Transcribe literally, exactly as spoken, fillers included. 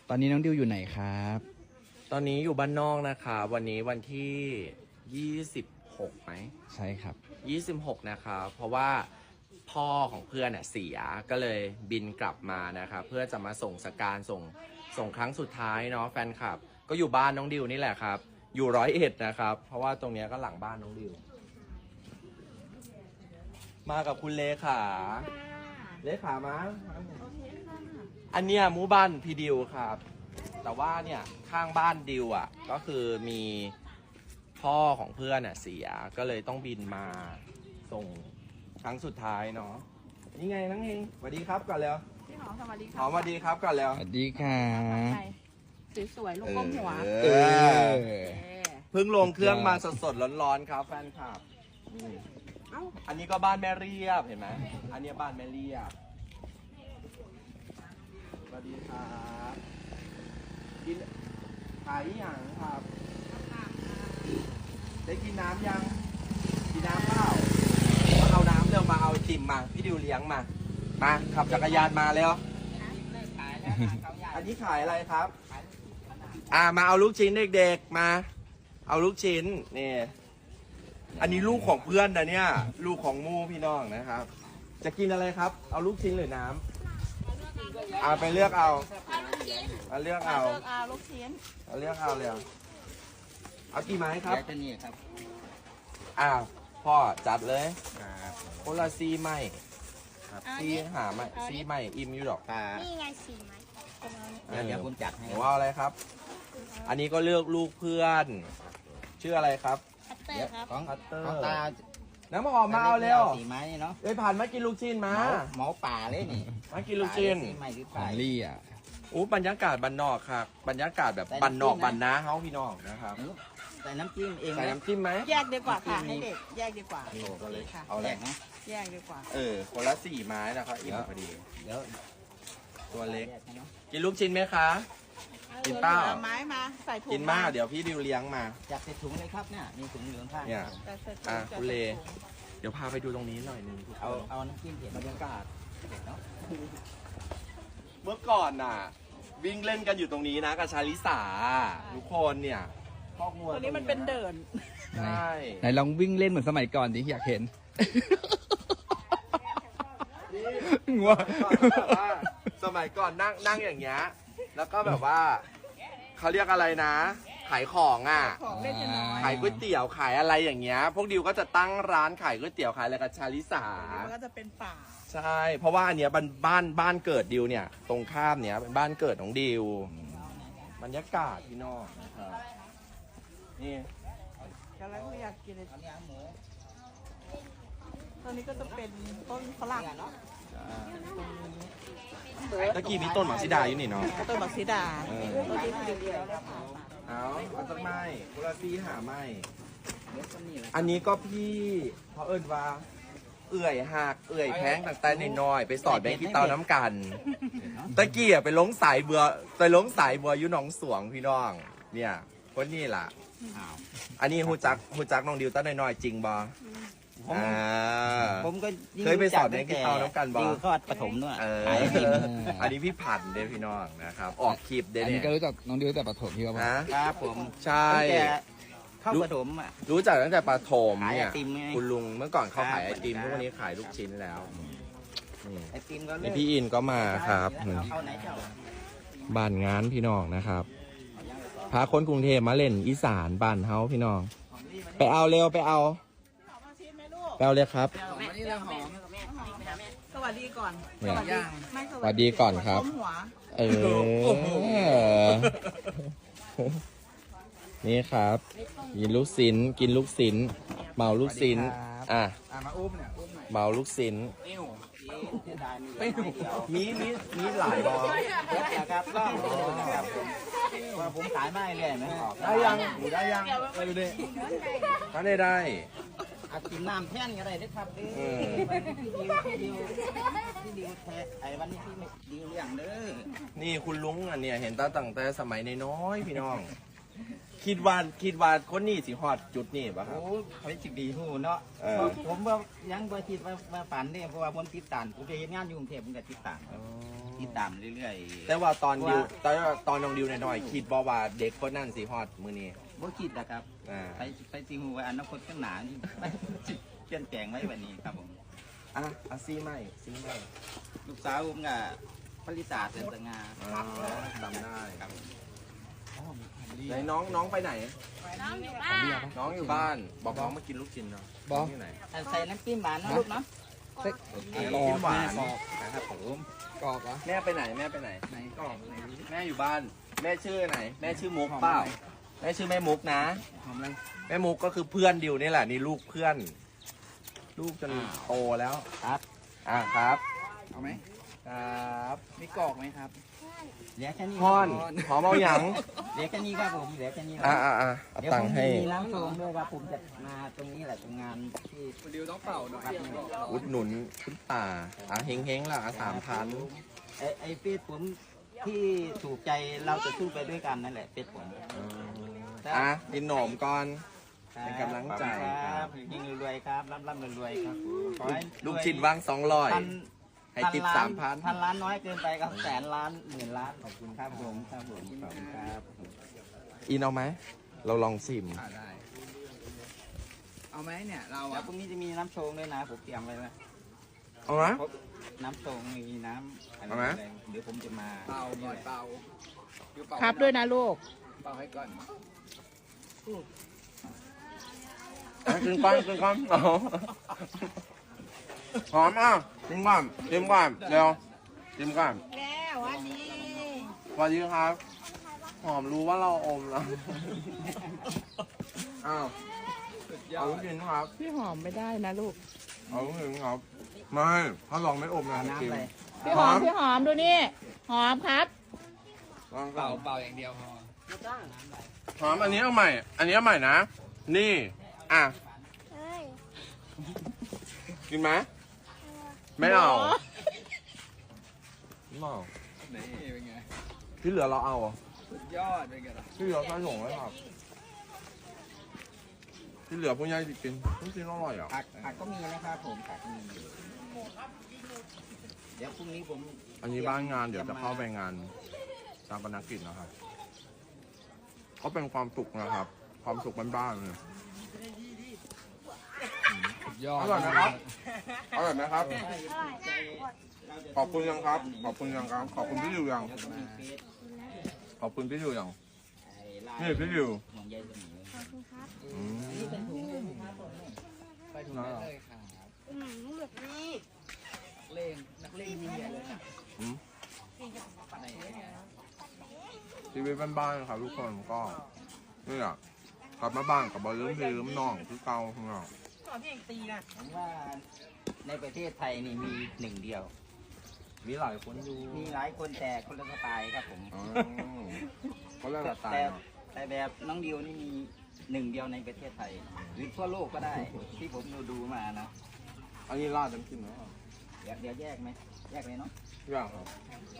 ตอนนี้น้องดิวอยู่ไหนครับตอนนี้อยู่บ้านนอกนะคะวันนี้วันที่ยี่สิบหกไหมใช่ครับยี่สิบหกนะคะเพราะว่าพ่อของเพื่อนน่ะเสียก็เลยบินกลับมานะคะเพื่อจะมาส่งสการส่งส่งครั้งสุดท้ายเนาะแฟนคลับก็อยู่บ้านน้องดิวนี่แหละครับอยู่ร้อยเอ็ดนะครับเพราะว่าตรงเนี้ยก็หลังบ้านน้องดิวมากับคุณเลขาเลขามาอันเนี้ยหมู่บ้านพี่ดิวครับแต่ว่าเนี่ยข้างบ้านดิวอ่ะก็คือมีพ่อของเพื่อนอ่ะเสียก็เลยต้องบินมาส่งครั้งสุดท้ายเนาะนี่ไงนังเฮงสวัสดีครับก่อนแล้วพี่หอมสวัสดีหค่ะอมสวัสดีครับก่อนแล้วสวัสดีค่ะสวยๆลูกก้มหัวเอเอออเพิ่งลงเครื่องมาสดๆร้อนๆครับแฟนคลับอืมเอ้าอันนี้ก็บ้านแม่เรียบเห็นไหมอันนี้บ้านแม่เรียบสวัสดีครับกินขายอย่างครับ ได้กินน้ำยังกินน้ำเปล่ามาเอาน้ำเร็วมาเอาไอติมมาพี่ดิวเลี้ยงมามาขับจักรยานมาแล้วอันนี้ขายอะไรครับอ่ามาเอาลูกชิ้นเด็กๆมาเอาลูกชิ้นนี่อันนี้ลูกของเพื่อนนะเนี่ยลูกของมู่พี่น้องนะครับ จะกินอะไรครับ เอาลูกชิ้นหรือน้ำเอาไปเลือกเอาเอาเลือกเอาเลือกเอาลูกชิ้นเอาเลือกเอาเลยเอากี่ไม้ครับจะนี่ครับอ้าวพ่อจัดเลยครับคนละซีไม่ครับซีหาไม่ซีไม่อิ่มอยู่หรอกปลานี่ไงสี่ไม้เดี๋ยวเดี๋ยวผมจัดให้หนูเอาอะไรครับ อันนี้ก็เลือกลูกเพื่อน ชื่ออะไรครับคัตเตอเดี๋ยวร์ครับของคัตเตอร์ของตาน้ำหอมมาเอาเร็วสีไม้นี่เนาะเอ้ยผ่านมากินลูกชิ้นมาหมอหมอป่าเลยนี่มากินลูกชิ้นสีไม้หรือขป่า à? องลี่อ่ะอู้บรรยากาศบันนอกครับบรรยากาศแบบบันนอกบันนาเฮาพี่น้องนะครับใส่น้ำจิ้มเองใส่นะน้ำจิ้มไหมแยกดีกว่าค่ะให้เด็กแยกดีกว่าโอ้ก็เลยค่ะเอาอะไรแยกนะแยกดีกว่าเออคนละสี่ไม้นะครับอิ่มพอดีเดี๋ยวตัวเล็กแยให้เนาะกินลูกชิ้นไหมคะ กินเปล่าอไม้มาใส่ถุงกินมากเดี๋ยวพี่ดิวเลี้ยงมาจัดใส่ถุงเลยครับเนี่ยมีถุงเหลืองข้างเนี่ยใส่ใส่ถุงอ่ะใส่คุณเลถุงเดี๋ยวพาไปดูตรงนี้หน่อยหนึงทุกคนเอาเอาน้ำจิ้มเผ็ดบรรยากาศเผ็ดเนาะเมื่อก่อนน่ะ วิ่งเล่นกันอยู่ตรงนี้นะกับชาลิสาทุกคนเนี่ยคอกงัวตัวนี้มันเป็นเดินใช่ไหนลองวิ่งเล่นเหมือนสมัยก่อนดิอยากเห็น งัวแบบว่าสมัยก่อนนั่งนั่งอย่างเงี้ยแล้วก็แบบว่าเขาเรียกอะไรนะ ขายของอ่ะของเล่นจะน้อยขายก๋วยเตี๋ยวขายอะไรอย่างเงี้ย พวกดิวก็จะตั้งร้านขายก๋วยเตี๋ยวขายอะไรกับชาลิสามันก็จะเป็นป่าใช่ เพราะว่าอันเนี้ยบ้านบ้านบ้านเกิดดิวเนี่ย ตรงข้ามเนี้ยเป็นบ้านเกิดของดิวบรรยากาศพี่น้องนะครับนี่ก็แล้วอยากกินเลยอันนี้หมูตอนนี้ก็จะเป็นต้นฝรั่งเนาะตะกี้มีต้นหมากซิดาอยู่นี่เนาะต้นบักซีดาเออต้นที่คือเดียวเลยค่ะเอาเอาสักไม้กุลาซีหาไม้เดี๋ยวต้นนี้แหละอันนี้ก็พี่เขาเอิ้นว่า เอื่อยหักเอื่อยแพงต่างแต่น้อยๆไปสอดแบงค์ที่เตาน้ำกัน ตะกี้อะไปลงสายเบือไปลงสายบัวอยู่หนองสวงพี่น้อง เนี่ยคนนี้ล่ะอ้าวอันนี้ฮูจักฮูจักน้องดิวตั้งน้อยๆจริงบ่ผมอ่าผมก็เคยไปสอนในกิจกรรมน้ำกันบ่ดิวทอดปฐมด้วยเออขายไอติมอันนี้พี่ผันเด้อพี่น้องนะครับ ออกคลิปเด้ออันเนี่นี้ยก็รู้จักน้องดิวตั้งแต่ประถมพี่ว่านะครับผมใช่ตั้งแต่เข้าปฐมอ่ะรู้จักตั้งแต่ปฐมเนี่ยขายไอติมไงคุณลุงเมื่อก่อนเขาขายไอติมครับทุกวันนี้ขายลูกชิ้นแล้วนี่ไอติมก็เลินี่กพี่อินก็มาครับเอาไหนเจ้าบ้านงานพี่น้องนะครับพาคนกรุงเทพมาเล่นอีสานบ้านเฮาพี่น้อง ไปเอาเร็วไปเอามาชิมไหมลูกไปเอาเลยครับวันนี้เราหอมสวัสดีก่อนเนี่ยสวัสดีไม่สวัสดีก่อนครับก้มหัวเออ นี่ครับกินลูกศิลกินลูกศิลเมาลูกศิลอ่ะอ่ะมาอุ้มเนี่ยอุ้มหน่อยเมาลูกศิลปิ้วเสียดายมีเหลือไม้เดียวมีมีมีหลายบอนะครับก็ครับว่าผมขายไม่เรื่อยไหมออกได้ยังหนูได้ยังไปดูดิถ้าได้ได้อากินน้ำแท่นก็ได้ด้วยครับเด้เอออพี่ดิวพี่ดิวพี่ดิวแท้ไอ้วันนี้พี่ไม่ดิวเรื่องเด้อนี่คุณลุงอ่ะเนี่ยเห็นตาตั้งแต่สมัยน้อยๆพี่น้อง คิดว่าคิดว่าคนนี้สิฮอดจุดนี้ปะครับโอ้เขาจิกดีหูเนาะเออผมว่ายังบ่คิดว่าว่าฝันเนี่ยเพราะว่าผมติดตามผมไปเห็นงานอยู่กรุงเทพผมก็ติดตามอ๋อติดตามเรื่อยๆแต่ว่าตอนดิวตอนตอนน้องดิวหน่อยๆคิดบอกว่าเด็กคนนั้นสีฮอดมือนี้บ่คิดนะครับอ่าไปไปซีฮูไว้อนาคตข้างหน้านี่ เปลี่ยนแปลงไว้วันนี้ครับผมอ่ะอ่ะซีใหม่ซีใหม่ลูกสาวผมก็ผลิตาเสนสง่าอ๋อจำได้ครับผมไหนน้องน้องไปไหนน้องอยู่บ้านน้องอยู่บ้าน บอกน้องมากินลูกชิ้นเนาะบอกที่ไหนใส่น้ำจิ้มหวานนะลูกเนาะเซ็กกินกรอบหวานกรอบครับผมกรอบเหรอแม่ไปไหนแม่ไปไหนไหนกรอบไหนดูดิแม่อยู่บ้าน แม่ชื่อไหน แม่ชื่อมุกเปล่าแม่ชื่อแม่มุกนะหอมอะไรแม่มุกก็คือเพื่อนดิวนี่แหละนี่ลูกเพื่อน ลูกจนโตแล้วครับอ่ะครับเอาไหมครับมีกรอกไหมครับเหลือแค่นี้พ่อนหอมเอาหยังเหลือแค่นี้ครับผมเหลือแค่นี้อ่ะอ่ะอ่ะเอาเดี๋ยวตัผงมค์ให้มีน้ำโชงด้วยครับผมจะมาตรงนี้แหละตรงงานที่คุณดิวต้องเป่าหน่อยอุดหนุนคุณป่าอ่ะเฮงเฮงๆล่ะอ่ะสามพันไอ้ไอ้เฟซผมที่ถูกใจเราจะสู้ไปด้วยกันนั่นแหละเฟซผมอ่ะกินหนมก่อน เป็นกำลังใจครับยิงรวยๆครับร่ำร่ำรวยๆครับขอให้ลูกชิ้นว่างสองร้อยพันให้ติปสามพันพันล้านน้อยเกินไปครับแสนล้านหมื่นล้านขอบคุณครับผมครับผมขอบคุณครับอินเอาไหม เราลองซิมอ่าได้ เอาไหมเนี่ยเราแล้อ่ะวพรุ่งนี้จะมีน้ำโชงด้วยนะผมเตรียมไว้แล้วเอาไหมน้ำโชงมีน้ำอะไรเอาไหมอะไรเดี๋ยวผมจะมาเป่าก่อนเป่าดิวเป่าครับด้วยนะลูกเป่าให้ก่อนอ่ะกินก่อนกินก่อนเอาหอมอ่ะกินก่อนกินก่อนเร็วกินก่อนแล้ววันนี้สวัสดีครับ หอมรู้ว่าเราอมแล้ว อ้าวสุดยอเอาดลูกชิ้นครับพี่หอมไม่ได้นะลูกเอาลูกชิ้นครับ ไม่ ถ้าลองไม่อมนะเอาจริงน้ำอะไรพี่หอมพี่หอมดูนี่ หอมครับลองเป่าเป่าเป่าอย่างเดียวพอหอมอันนี้เอาใหม่ อันนี้เอาใหม่นะ นี่ อ่ะ กินไหมไม่เอาไม่เอานี่เป็นไงที่เหลือเราเอาเหรอสุดยอดเป็นไงล่ะที่เหลือใส่ถุงไว้ครับ ที่เหลือพวกยายจะกินลูกชิ้นอร่อยอ่ะผักผักก็มีนะครับผมผักมีอยู่เดี๋ยวพรุ่งนี้ผมอันนี้บ้านงานเดี๋ยวจะเข้าไปงานตามปนกิจนะครับ ก็เป็นความสุขนะครับ ความสุขบ้านๆเลยสุดยอดอร่อยนะครับ อร่อยไหมครับ ขอบคุณยังครับ ขอบคุณยังครับ ขอบคุณพี่ดิวยังแล้วก็มีเฟซขอบคุณพี่ดิวยังไอ้ไลนี่พี่ดิวห่วงใยเสมออืมนี่เป็นถุงเลยนะครับผมไปถุงได้เลยครับนักเลงนักเลงยิ่งใหญ่เลยนะอืมไหนเนี่ยชีวิตบ้านๆครับทุกคนก็นี่แหละกลับมาบ้านกับบอลลืมพี่ลืมน้องคือเก่าของเราผมว่าในประเทศไทยนี่มีหนึ่งเดียวมีหลายคนอยู่มีหลายคนแต่คนละสไตล์ครับผมอ๋อเขาเรียกว่าตายแต่เนาะแต่แบบน้องดิวนี่มีหนึ่งเดียวในประเทศไทย หรือทั่วโลกก็ได้ ที่ผมดูดูมานะอันนี้ราดน้ำจิ้มเนาะเดี๋ยวเดี๋ยวแยกไหมแยกเลยเนาะอยากครับ